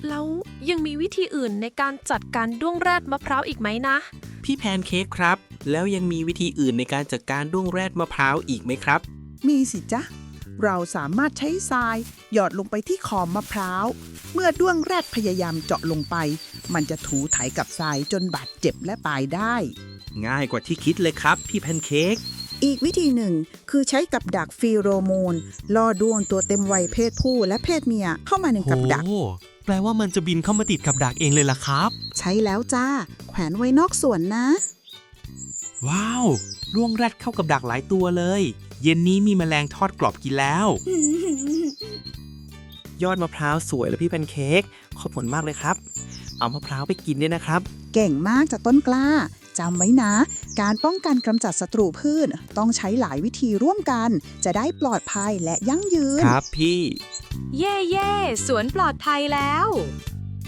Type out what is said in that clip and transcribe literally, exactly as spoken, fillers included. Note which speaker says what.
Speaker 1: แล้วยังมีวิธีอื่นในการจัดการด้วงแรดมะพร้าวอีกไหมนะ
Speaker 2: พี่แพนเค้กครับแล้วยังมีวิธีอื่นในการจัดการด้วงแรดมะพร้าวอีกไหมครับ
Speaker 3: มีสิจ๊ะเราสามารถใช้ทรายหยอดลงไปที่ขอบมะพร้าวเมื่อด้วงแรดพยายามเจาะลงไปมันจะถูไถกับทรายจนบาดเจ็บและตายได้
Speaker 2: ง่ายกว่าที่คิดเลยครับพี่แพนเค้ก
Speaker 3: อีกวิธีหนึ่งคือใช้กับดักฟีโรโมนล่อด้วงตัวเต็มวัยเพศผู้และเพศเมียเข้ามาในกับดัก
Speaker 4: โอ้แปลว่ามันจะบินเข้ามาติดกับดักเองเลยล่ะครับ
Speaker 3: ใช้แล้วจ้าแขวนไว้นอกสวนนะ
Speaker 2: ว้าวด้วงแรดเข้ากับดักหลายตัวเลย เย็นนี้มีแมลงทอดกรอบกินแล้ว ยอดมะพร้าวสวยเลยพี่แพนเค้กขอบคุณมากเลยครับเอามะพร้าวไปกินด้วยนะครับ
Speaker 3: เก่งมากจากต้นกล้าจำไว้นะ การป้องกันกำจัดศัตรูพืชต้องใช้หลายวิธีร่วมกัน จะได้ปลอดภัยและยั่งยืน
Speaker 2: ครับพี่
Speaker 5: เย่เย่สวนปลอดภัยแล้ว